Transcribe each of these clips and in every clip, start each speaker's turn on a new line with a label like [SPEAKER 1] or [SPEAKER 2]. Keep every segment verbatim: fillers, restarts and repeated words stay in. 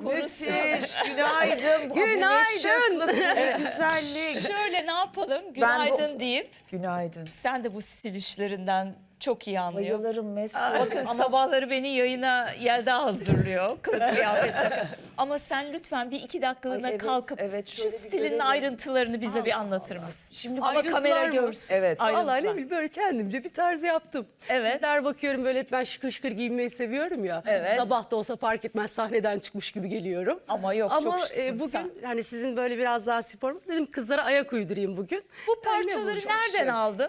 [SPEAKER 1] korusun.
[SPEAKER 2] Müthiş, günaydın. Bu
[SPEAKER 3] Günaydın.
[SPEAKER 2] şıklık, bu güzellik.
[SPEAKER 1] Şöyle ne yapalım?
[SPEAKER 2] Ben
[SPEAKER 1] Günaydın
[SPEAKER 2] bu-
[SPEAKER 1] deyip
[SPEAKER 2] Günaydın.
[SPEAKER 1] sen de bu stil işlerinden çok iyi anlıyor.
[SPEAKER 2] Bayılırım mesleğe.
[SPEAKER 1] Bakın sabahları beni yayına Yelda hazırlıyor. Kılık kıyafet takı. Ama sen lütfen bir iki dakikalığına
[SPEAKER 2] Ay, evet,
[SPEAKER 1] kalkıp
[SPEAKER 2] evet,
[SPEAKER 1] şu
[SPEAKER 2] şöyle bir
[SPEAKER 1] stilin
[SPEAKER 2] görelim.
[SPEAKER 1] ayrıntılarını bize bir anlatır mısın?
[SPEAKER 2] Şimdi
[SPEAKER 1] Ama
[SPEAKER 3] ayrıntılar
[SPEAKER 1] kamera
[SPEAKER 3] mı?
[SPEAKER 1] görsün.
[SPEAKER 2] Evet.
[SPEAKER 1] Ayrıntılar.
[SPEAKER 3] Vallahi ne bileyim böyle kendimce bir tarz yaptım.
[SPEAKER 1] Evet.
[SPEAKER 3] Sizler bakıyorum böyle hep ben şıkır şıkır giyinmeyi seviyorum ya.
[SPEAKER 1] Evet.
[SPEAKER 3] Sabah da olsa fark etmez sahneden çıkmış gibi geliyorum.
[SPEAKER 1] Ama yok,
[SPEAKER 3] Ama
[SPEAKER 1] çok şıksın
[SPEAKER 3] e, bugün
[SPEAKER 1] sen.
[SPEAKER 3] hani sizin böyle biraz daha spor dedim kızlara ayak uydurayım bugün.
[SPEAKER 1] Bu parçaları
[SPEAKER 3] Öyle bu.
[SPEAKER 1] nereden
[SPEAKER 2] şık.
[SPEAKER 1] aldın?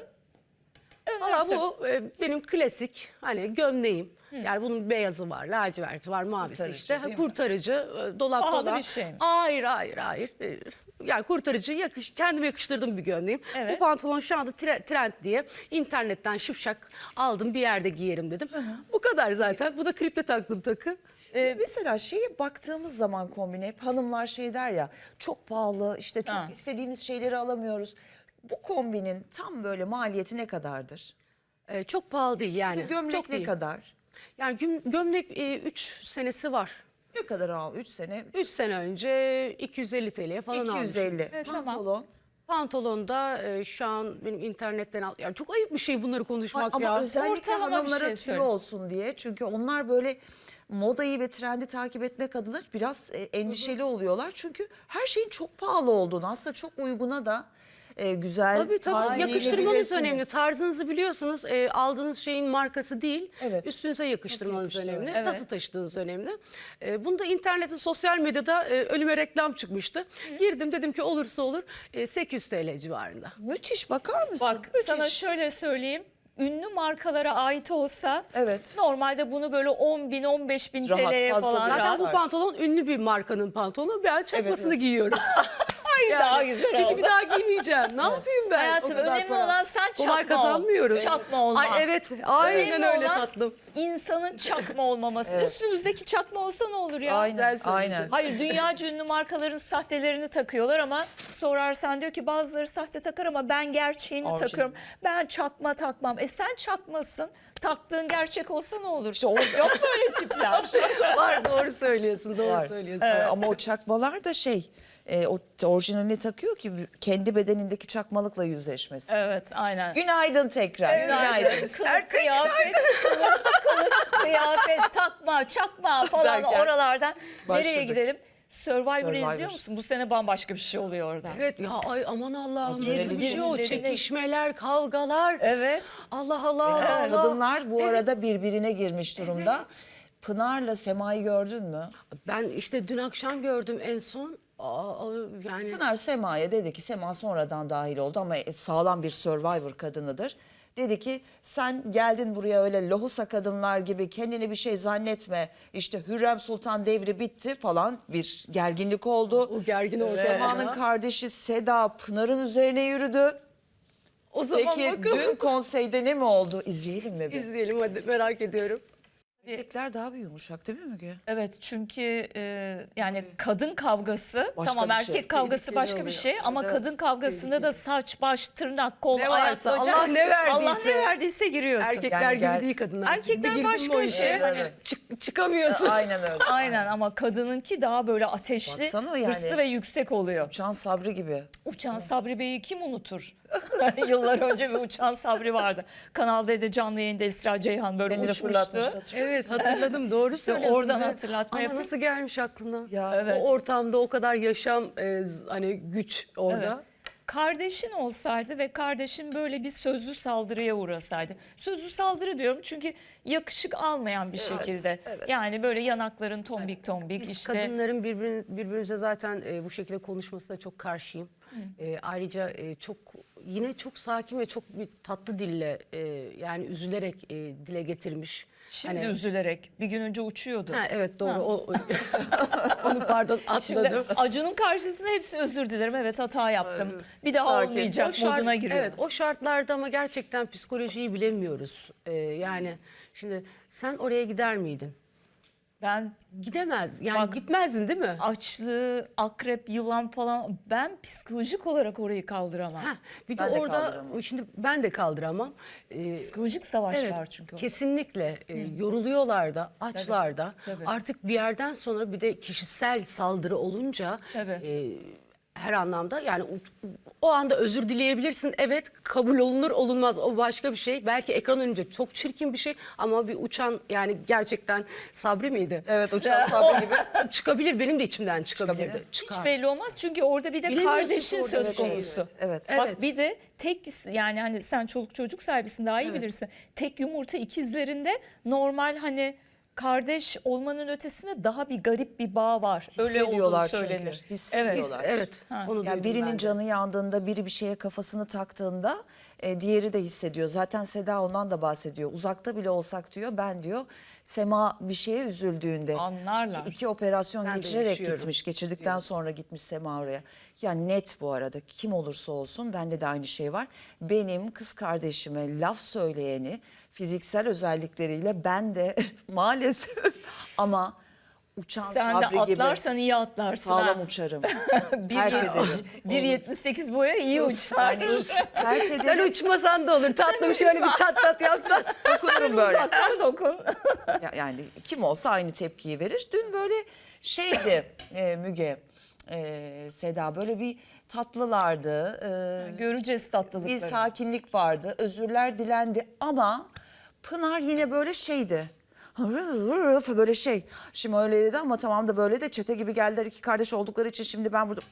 [SPEAKER 3] Valla
[SPEAKER 1] Önersin.
[SPEAKER 3] bu e, benim klasik hani gömleğim. Yani bunun beyazı var, laciverti var, mavisi
[SPEAKER 2] Kurtarıcı
[SPEAKER 3] işte.
[SPEAKER 2] değil mi?
[SPEAKER 3] Kurtarıcı, e, dolap
[SPEAKER 1] Pahalı
[SPEAKER 3] dolap.
[SPEAKER 1] bir şey mi?
[SPEAKER 3] Hayır, hayır, hayır. E, Yani kurtarıcı, yakış, kendime yakıştırdığım bir gömleğim.
[SPEAKER 1] Evet.
[SPEAKER 3] Bu pantolon şu anda tre- trend diye internetten şıpşak aldım, bir yerde giyerim dedim. Bu kadar zaten. Bu da kliple taktım takı.
[SPEAKER 2] Ee, mesela şeye baktığımız zaman kombine hep hanımlar şey der ya çok pahalı işte çok
[SPEAKER 1] Ha.
[SPEAKER 2] istediğimiz şeyleri alamıyoruz. Bu kombinin tam böyle maliyeti ne kadardır?
[SPEAKER 3] E, çok pahalı değil yani.
[SPEAKER 2] Mesela gömlek
[SPEAKER 3] çok
[SPEAKER 2] ne
[SPEAKER 3] değil.
[SPEAKER 2] kadar?
[SPEAKER 3] Yani güm- gömlek üç senesi var.
[SPEAKER 2] Ne kadar al? üç sene.
[SPEAKER 3] üç sene önce iki yüz elli TL'ye falan
[SPEAKER 2] iki yüz elli.
[SPEAKER 3] almışım.
[SPEAKER 1] Evet, tamam.
[SPEAKER 2] Pantolon.
[SPEAKER 3] Pantolonda e, şu an benim internetten al. Yani çok ayıp bir şey bunları konuşmak
[SPEAKER 2] Ama
[SPEAKER 3] ya.
[SPEAKER 2] özellikle
[SPEAKER 1] Ortalama bir
[SPEAKER 2] hanımlara
[SPEAKER 1] şey
[SPEAKER 2] tüy
[SPEAKER 1] söyle.
[SPEAKER 2] olsun diye. Çünkü onlar böyle modayı ve trendi takip etmek adına biraz e, endişeli oluyorlar. Çünkü her şeyin çok pahalı olduğunu aslında çok uyguna da e, güzel.
[SPEAKER 3] Tabii tabii
[SPEAKER 2] tarzı
[SPEAKER 3] yakıştırmanız
[SPEAKER 2] giyebilirsiniz.
[SPEAKER 3] önemli. Tarzınızı biliyorsanız e, aldığınız şeyin markası değil.
[SPEAKER 2] Evet.
[SPEAKER 3] Üstünüze yakıştırmanız
[SPEAKER 2] Nasıl yakıştı,
[SPEAKER 3] önemli.
[SPEAKER 1] evet.
[SPEAKER 3] Nasıl taşıdığınız önemli. E, bunda internette, sosyal medyada e, önüme reklam çıkmıştı. Girdim dedim ki olursa olur e, sekiz yüz TL civarında.
[SPEAKER 2] Müthiş bakar mısın?
[SPEAKER 1] Bak
[SPEAKER 2] Müthiş.
[SPEAKER 1] sana şöyle söyleyeyim. Ünlü markalara ait olsa
[SPEAKER 2] Evet.
[SPEAKER 1] normalde bunu böyle on bin on beş bin
[SPEAKER 2] Rahat,
[SPEAKER 1] T L'ye
[SPEAKER 2] fazla
[SPEAKER 1] falan
[SPEAKER 2] değil.
[SPEAKER 3] Zaten
[SPEAKER 1] rahat.
[SPEAKER 3] bu pantolon ünlü bir markanın pantolonu. Ben çakmasını
[SPEAKER 2] evet.
[SPEAKER 3] giyiyorum.
[SPEAKER 1] Hayır daha güzel
[SPEAKER 3] Çünkü
[SPEAKER 1] oldu.
[SPEAKER 3] bir daha giymeyeceğim. Ne yapayım ben?
[SPEAKER 1] Hayatım
[SPEAKER 3] o kadar
[SPEAKER 1] önemli
[SPEAKER 3] para?
[SPEAKER 1] olan sen çakma
[SPEAKER 3] Kolay
[SPEAKER 1] ol.
[SPEAKER 3] kazanmıyorum.
[SPEAKER 1] Çakma olma.
[SPEAKER 3] Ay evet aynen
[SPEAKER 1] Önemli
[SPEAKER 3] öyle
[SPEAKER 1] olan
[SPEAKER 3] tatlım.
[SPEAKER 1] İnsanın çakma olmaması.
[SPEAKER 2] Evet.
[SPEAKER 1] Üstünüzdeki çakma olsa ne olur ya?
[SPEAKER 2] Aynen,
[SPEAKER 3] Güzel söyledin.
[SPEAKER 2] aynen.
[SPEAKER 1] Hayır dünyaca ünlü markaların sahtelerini takıyorlar ama sorarsan diyor ki bazıları sahte takar ama ben gerçeğini
[SPEAKER 2] Orijinal.
[SPEAKER 1] takıyorum. Ben çakma takmam. E sen çakmasın. Taktığın gerçek olsa ne olur?
[SPEAKER 2] İşte orada-
[SPEAKER 1] Yok böyle tipler.
[SPEAKER 3] Var doğru söylüyorsun doğru
[SPEAKER 2] Var.
[SPEAKER 3] söylüyorsun.
[SPEAKER 2] Ama o çakmalar da şey, e, o orijinalini takıyor ki kendi bedenindeki çakmalıkla yüzleşmesi.
[SPEAKER 1] Evet aynen.
[SPEAKER 2] Günaydın tekrar. Günaydın.
[SPEAKER 1] Kılık kıyafet, kılık, kılık kıyafet, takma, çakma falan
[SPEAKER 2] Derken
[SPEAKER 1] oralardan nereye
[SPEAKER 2] başladık.
[SPEAKER 1] gidelim? Survivor'ı
[SPEAKER 2] Survivor.
[SPEAKER 1] izliyor musun? Bu sene bambaşka bir şey oluyor orada.
[SPEAKER 3] Evet ya ay aman Allah'ım
[SPEAKER 2] Adrenalin.
[SPEAKER 3] nasıl bir şey o
[SPEAKER 1] Adrenalin.
[SPEAKER 3] çekişmeler kavgalar.
[SPEAKER 1] Evet.
[SPEAKER 3] Allah Allah Allah. Allah.
[SPEAKER 2] Kadınlar bu arada birbirine girmiş durumda. Pınar'la Sema'yı gördün mü?
[SPEAKER 3] Ben işte dün akşam gördüm en son. Aa, yani
[SPEAKER 2] Pınar Sema'ya dedi ki, Sema sonradan dahil oldu ama sağlam bir Survivor kadınıdır. Dedi ki sen geldin buraya öyle lohusa kadınlar gibi kendini bir şey zannetme. İşte Hürrem Sultan devri bitti falan, bir gerginlik oldu.
[SPEAKER 3] o gergin orada.
[SPEAKER 2] Sema'nın kardeşi Seda Pınar'ın üzerine yürüdü.
[SPEAKER 3] O zaman
[SPEAKER 2] Peki
[SPEAKER 3] bakalım.
[SPEAKER 2] dün konseyde ne mi oldu? İzleyelim mi? bir?
[SPEAKER 3] İzleyelim hadi merak ediyorum.
[SPEAKER 2] Erkekler daha bir yumuşak değil mi Müge?
[SPEAKER 1] Evet çünkü e, yani kadın kavgası
[SPEAKER 2] Başka
[SPEAKER 1] tamam
[SPEAKER 2] bir
[SPEAKER 1] erkek
[SPEAKER 2] şey.
[SPEAKER 1] kavgası
[SPEAKER 3] Tehlikeli
[SPEAKER 1] başka bir
[SPEAKER 3] oluyor.
[SPEAKER 1] şey ama
[SPEAKER 2] Evet,
[SPEAKER 1] kadın kavgasında da saç, baş, tırnak, kol,
[SPEAKER 3] Ne
[SPEAKER 1] ayak,
[SPEAKER 3] varsa,
[SPEAKER 1] bacak.
[SPEAKER 3] Allah ne verdiyse.
[SPEAKER 1] Allah ne verdiyse giriyorsun.
[SPEAKER 3] Erkekler
[SPEAKER 2] Yani
[SPEAKER 3] gibi
[SPEAKER 2] gel-
[SPEAKER 3] değil kadınlar.
[SPEAKER 1] Erkekler
[SPEAKER 3] Bir girdin mi
[SPEAKER 1] başka
[SPEAKER 3] o
[SPEAKER 1] bir
[SPEAKER 3] işe,
[SPEAKER 1] şey.
[SPEAKER 3] hani
[SPEAKER 2] Evet.
[SPEAKER 3] çık- çıkamıyorsun.
[SPEAKER 2] Aynen öyle.
[SPEAKER 1] Aynen ama kadınınki daha böyle ateşli,
[SPEAKER 2] Baksana yani.
[SPEAKER 1] hırslı ve yüksek oluyor.
[SPEAKER 2] Uçan Sabri gibi.
[SPEAKER 1] Uçan Sabri Bey'i kim unutur? Yıllar önce bir Uçan Sabri vardı. Kanal D'de canlı yayında Esra Ceyhan böyle
[SPEAKER 2] Kendini
[SPEAKER 1] uçmuştu.
[SPEAKER 2] fırlatmıştı.
[SPEAKER 3] Evet hatırladım doğru
[SPEAKER 1] İşte
[SPEAKER 3] söylüyorsun.
[SPEAKER 1] oradan
[SPEAKER 3] Ve-
[SPEAKER 1] hatırlatma
[SPEAKER 3] Ama
[SPEAKER 1] yapayım.
[SPEAKER 3] nasıl gelmiş aklına?
[SPEAKER 2] Ya,
[SPEAKER 1] evet.
[SPEAKER 3] O ortamda o kadar yaşam e, z- hani güç orada.
[SPEAKER 1] Evet. Kardeşin olsaydı ve kardeşin böyle bir sözlü saldırıya uğrasaydı. Sözlü saldırı diyorum çünkü yakışık almayan bir şekilde.
[SPEAKER 2] evet.
[SPEAKER 1] Yani böyle yanakların tombik tombik
[SPEAKER 3] Biz
[SPEAKER 1] işte.
[SPEAKER 3] kadınların birbirin, birbirimize zaten e, bu şekilde konuşmasına çok karşıyım. E, ayrıca e, çok yine çok sakin ve çok bir tatlı dille e, yani üzülerek e, dile getirmiş.
[SPEAKER 1] Şimdi
[SPEAKER 3] Hani-
[SPEAKER 1] üzülerek bir gün önce uçuyordu.
[SPEAKER 3] Ha, evet doğru
[SPEAKER 1] Ha.
[SPEAKER 3] o, onu pardon
[SPEAKER 1] Şimdi
[SPEAKER 3] atladım.
[SPEAKER 1] Acun'un karşısında hepsi özür dilerim evet hata yaptım. Bir daha
[SPEAKER 2] Sakin.
[SPEAKER 1] olmayacak
[SPEAKER 3] O şart-
[SPEAKER 1] moduna giriyor.
[SPEAKER 3] Evet o şartlarda ama gerçekten psikolojiyi bilemiyoruz. E, yani şimdi sen oraya gider miydin?
[SPEAKER 1] Ben
[SPEAKER 3] Gidemez. Yani
[SPEAKER 1] Bak-
[SPEAKER 3] gitmezdin değil mi?
[SPEAKER 1] açlığı, akrep, yılan falan ben psikolojik olarak orayı kaldıramam.
[SPEAKER 3] Heh, bir de
[SPEAKER 2] Ben de
[SPEAKER 3] orada
[SPEAKER 2] kaldıramam.
[SPEAKER 3] şimdi ben de kaldıramam. Ee,
[SPEAKER 1] Psikolojik savaş
[SPEAKER 3] evet,
[SPEAKER 1] var çünkü. orada.
[SPEAKER 3] kesinlikle e, yoruluyorlar da, açlar da.
[SPEAKER 1] tabii.
[SPEAKER 3] Artık bir yerden sonra bir de kişisel saldırı olunca
[SPEAKER 1] Tabii.
[SPEAKER 3] e, her anlamda yani o, o anda özür dileyebilirsin. Evet, kabul olunur olunmaz o başka bir şey. Belki ekran önünde çok çirkin bir şey ama bir uçan yani gerçekten Sabri miydi?
[SPEAKER 2] Evet, uçan Sabri gibi.
[SPEAKER 3] Çıkabilir, benim de içimden çıkabilirdi.
[SPEAKER 2] Çıkabilir.
[SPEAKER 3] Çıkar.
[SPEAKER 1] Hiç belli olmaz çünkü orada bir de
[SPEAKER 3] Bilemiyorsun
[SPEAKER 1] kardeşin
[SPEAKER 3] orada
[SPEAKER 1] söz
[SPEAKER 3] bir şey.
[SPEAKER 1] konusu.
[SPEAKER 2] Evet, evet.
[SPEAKER 1] Bak
[SPEAKER 3] Evet.
[SPEAKER 1] bir de tek yani hani sen çoluk çocuk sahibisin daha iyi bilirsin. Tek yumurta ikizlerinde normal hani kardeş olmanın ötesinde daha bir garip bir bağ var. Öyle olduğu
[SPEAKER 2] Hissediyorlar çünkü.
[SPEAKER 1] söylenir.
[SPEAKER 2] Hissediyorlar.
[SPEAKER 3] Evet,
[SPEAKER 1] Ha.
[SPEAKER 3] onu
[SPEAKER 2] Yani
[SPEAKER 3] duydum
[SPEAKER 2] birinin
[SPEAKER 3] ben de.
[SPEAKER 2] canı yandığında, biri bir şeye kafasını taktığında e, diğeri de hissediyor. Zaten Seda ondan da bahsediyor. Uzakta bile olsak diyor, ben diyor Sema bir şeye üzüldüğünde
[SPEAKER 1] Anlarlar.
[SPEAKER 2] ki iki operasyon
[SPEAKER 3] Ben de
[SPEAKER 2] geçirerek
[SPEAKER 3] yaşıyorum.
[SPEAKER 2] gitmiş. Geçirdikten sonra gitmiş Sema oraya. Ya net bu arada kim olursa olsun bende de aynı şey var. Benim kız kardeşime laf söyleyeni fiziksel özellikleriyle ben de maalesef ama uçan
[SPEAKER 1] Sen de
[SPEAKER 2] Sabri gibi
[SPEAKER 1] atlarsan iyi atlarsın.
[SPEAKER 2] sağlam
[SPEAKER 1] ha.
[SPEAKER 2] uçarım.
[SPEAKER 1] Bir-
[SPEAKER 2] Pert ederim.
[SPEAKER 1] bir yetmiş sekiz boya iyi uçar.
[SPEAKER 2] Yani pert
[SPEAKER 3] Sen
[SPEAKER 2] ederim.
[SPEAKER 3] uçmasan da olur. Tatlım şöyle bir çat çat yapsan.
[SPEAKER 2] Dokunurum böyle.
[SPEAKER 1] Uzaktan dokun.
[SPEAKER 2] Ya- Yani kim olsa aynı tepkiyi verir. Dün böyle şeydi e, Müge, e, Seda böyle bir tatlılardı. E,
[SPEAKER 1] Göreceğiz
[SPEAKER 2] bir
[SPEAKER 1] tatlılıkları.
[SPEAKER 2] sakinlik vardı. Özürler dilendi ama Pınar yine böyle şeydi. Böyle şey. Şimdi öyle dedi ama tamam da böyle de çete gibi geldiler iki kardeş oldukları için şimdi ben burada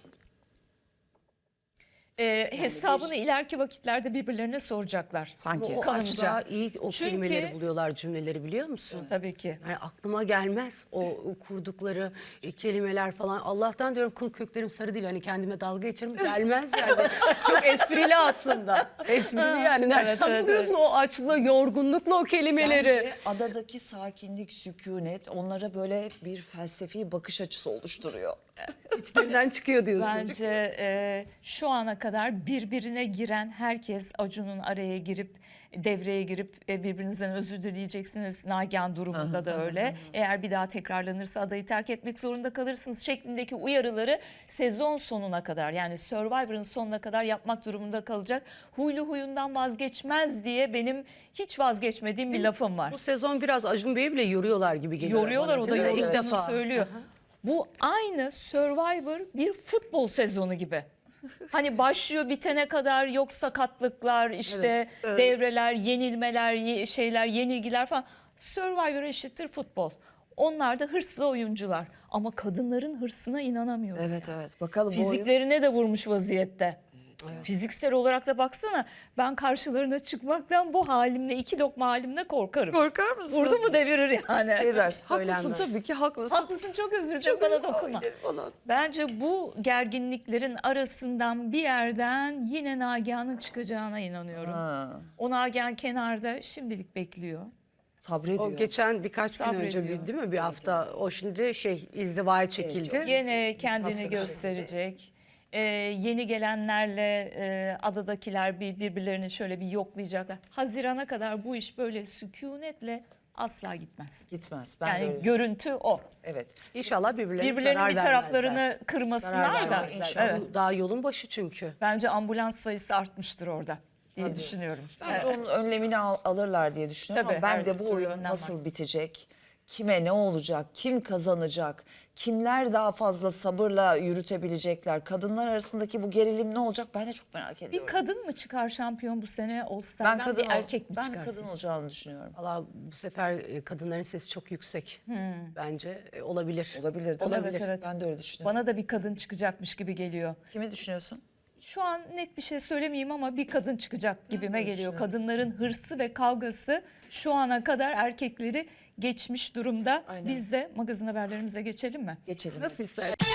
[SPEAKER 1] Ee, hesabını ileriki vakitlerde birbirlerine soracaklar.
[SPEAKER 2] sanki.
[SPEAKER 3] O
[SPEAKER 1] Kanımca.
[SPEAKER 3] açığa iyi o
[SPEAKER 1] Çünkü-
[SPEAKER 3] kelimeleri buluyorlar, cümleleri biliyor musun?
[SPEAKER 1] Tabii ki.
[SPEAKER 3] Yani aklıma gelmez o, o kurdukları e, kelimeler falan. Allah'tan diyorum kıl köklerim sarı değil. Hani kendime dalga geçerim. Gelmez yani. Çok esprili aslında. Esprili yani. Nereden
[SPEAKER 1] Evet, evet,
[SPEAKER 3] buluyorsun o açlığı, yorgunlukla o kelimeleri?
[SPEAKER 2] Bence adadaki sakinlik, sükunet onlara böyle bir felsefi bakış açısı oluşturuyor.
[SPEAKER 3] İçlerinden çıkıyor diyorsun.
[SPEAKER 1] Bence e, şu ana kadar birbirine giren herkes Acun'un araya girip devreye girip e, birbirinizden özür dileyeceksiniz. Nagihan durumunda da öyle. Eğer bir daha tekrarlanırsa adayı terk etmek zorunda kalırsınız şeklindeki uyarıları sezon sonuna kadar yani Survivor'ın sonuna kadar yapmak durumunda kalacak. Huylu huyundan vazgeçmez diye benim hiç vazgeçmediğim bir lafım var.
[SPEAKER 3] Bu sezon biraz Acun Bey'i bile yoruyorlar gibi geliyor.
[SPEAKER 1] Yoruyorlar
[SPEAKER 3] bana,
[SPEAKER 1] o da
[SPEAKER 3] değil mi?
[SPEAKER 1] yorulduğunu
[SPEAKER 3] İlk defa.
[SPEAKER 1] söylüyor. Bu aynı Survivor bir futbol sezonu gibi. Hani başlıyor bitene kadar yok sakatlıklar işte devreler, yenilmeler, ye- şeyler, yenilgiler falan. Survivor eşittir futbol. Onlar da hırslı oyuncular ama kadınların hırsına inanamıyorum.
[SPEAKER 2] Evet evet bakalım bu oyun.
[SPEAKER 1] Fiziklerine de vurmuş vaziyette. Fiziksel olarak da baksana ben karşılarına çıkmaktan bu halimle iki lokma halimle korkarım.
[SPEAKER 2] Korkar mısın?
[SPEAKER 1] Vurdu mu devirir yani.
[SPEAKER 2] Şey dersin. Haklısın
[SPEAKER 3] Söylenmez.
[SPEAKER 2] tabii ki haklısın.
[SPEAKER 1] Haklısın çok özür dilerim bana dokunma.
[SPEAKER 2] Ay, falan.
[SPEAKER 1] Bence bu gerginliklerin arasından bir yerden yine Nagihan'ın çıkacağına inanıyorum.
[SPEAKER 2] Ha,
[SPEAKER 1] O Nagihan kenarda şimdilik bekliyor.
[SPEAKER 2] sabrediyor.
[SPEAKER 3] O geçen birkaç gün önce
[SPEAKER 1] Sabrediyor.
[SPEAKER 3] bir, değil mi bir hafta o şimdi şey izdivaya çekildi.
[SPEAKER 1] Yine kendini
[SPEAKER 2] Tasvip
[SPEAKER 1] gösterecek. Ee, yeni gelenlerle e, adadakiler bir birbirlerini şöyle bir yoklayacaklar. Hazirana kadar bu iş böyle sükunetle asla gitmez.
[SPEAKER 2] Gitmez. Ben
[SPEAKER 1] Yani
[SPEAKER 2] de öyle.
[SPEAKER 1] görüntü o.
[SPEAKER 2] Evet.
[SPEAKER 3] İnşallah birbirlerine
[SPEAKER 1] Birbirlerinin
[SPEAKER 3] zarar
[SPEAKER 1] bir
[SPEAKER 3] vermezler.
[SPEAKER 1] taraflarını kırmasınlar
[SPEAKER 3] Zarar
[SPEAKER 1] da.
[SPEAKER 3] vermezler.
[SPEAKER 1] Evet.
[SPEAKER 3] Bu daha yolun başı çünkü.
[SPEAKER 1] Bence ambulans sayısı artmıştır orada diye düşünüyorum.
[SPEAKER 2] Bence onun önlemini al- alırlar diye düşünüyorum
[SPEAKER 1] Tabii,
[SPEAKER 2] ama ben
[SPEAKER 1] her
[SPEAKER 2] de bu
[SPEAKER 1] türlü
[SPEAKER 2] oyun
[SPEAKER 1] önlem
[SPEAKER 2] nasıl
[SPEAKER 1] var.
[SPEAKER 2] bitecek? Kime ne olacak? Kim kazanacak? Kimler daha fazla sabırla yürütebilecekler? Kadınlar arasındaki bu gerilim ne olacak? Ben de çok merak
[SPEAKER 1] Bir
[SPEAKER 2] ediyorum.
[SPEAKER 1] kadın mı çıkar şampiyon bu sene All
[SPEAKER 2] ben
[SPEAKER 1] Star'dan
[SPEAKER 2] kadın
[SPEAKER 1] bir
[SPEAKER 2] ol-
[SPEAKER 1] erkek mi
[SPEAKER 2] ben
[SPEAKER 1] çıkar
[SPEAKER 2] kadın
[SPEAKER 1] sizce?
[SPEAKER 2] olacağını düşünüyorum.
[SPEAKER 3] Valla bu sefer e, kadınların sesi çok yüksek. Bence e, olabilir.
[SPEAKER 2] Olabilir değil mi?
[SPEAKER 1] Evet, evet.
[SPEAKER 2] Ben de öyle düşünüyorum.
[SPEAKER 1] Bana da bir kadın çıkacakmış gibi geliyor.
[SPEAKER 2] Kimi düşünüyorsun?
[SPEAKER 1] Şu an net bir şey söylemeyeyim ama bir kadın çıkacak gibime geliyor. Kadınların hırsı ve kavgası şu ana kadar erkekleri geçmiş durumda.
[SPEAKER 2] Aynen.
[SPEAKER 1] Biz de magazin haberlerimize geçelim mi?
[SPEAKER 2] Geçelim.
[SPEAKER 3] Nasıl istersen.